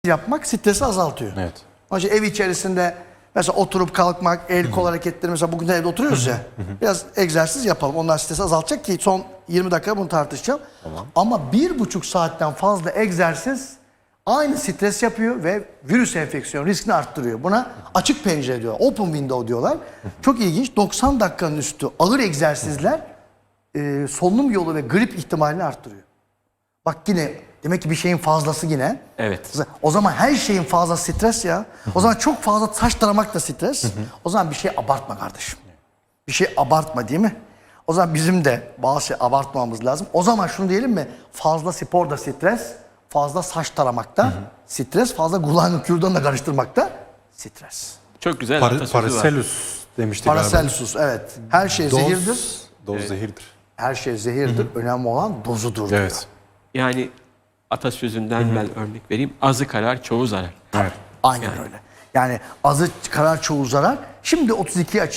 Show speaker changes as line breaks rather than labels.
yapmak stresi azaltıyor.
Evet.
Onun için ev içerisinde mesela oturup kalkmak, el kol hareketleri, mesela bugün de evde oturuyoruz ya. Biraz egzersiz yapalım. Onlar stresi azaltacak ki son 20 dakika bunu tartışacağım.
Tamam.
Ama 1,5 saatten fazla egzersiz aynı stres yapıyor ve virüs enfeksiyon riskini arttırıyor. Buna açık pencere diyorlar. Open window diyorlar. Çok ilginç. 90 dakikanın üstü ağır egzersizler solunum yolu ve grip ihtimalini arttırıyor. Bak yine demek ki bir şeyin fazlası yine.
Evet.
O zaman her şeyin fazla stres ya. O zaman çok fazla saç taramak da stres. O zaman bir şey abartma kardeşim. Bir şey abartma değil mi? O zaman bizim de bazı şey abartmamamız lazım. O zaman şunu diyelim mi? Fazla spor da stres, fazla saç taramakta stres, fazla kulağını kürdanla karıştırmakta stres.
Çok güzel atasözü var.
Paracelsus demiştik galiba.
Paracelsus, evet. Her şey zehirdir.
Doz zehirdir.
Her şey zehirdir. Önemli olan dozudur diyor.
Evet.
Yani atasözünden ben örnek vereyim. Azı karar, çoğu zarar.
Evet.
Aynen öyle. Yani azı karar çoğu zarar. Şimdi 32 açı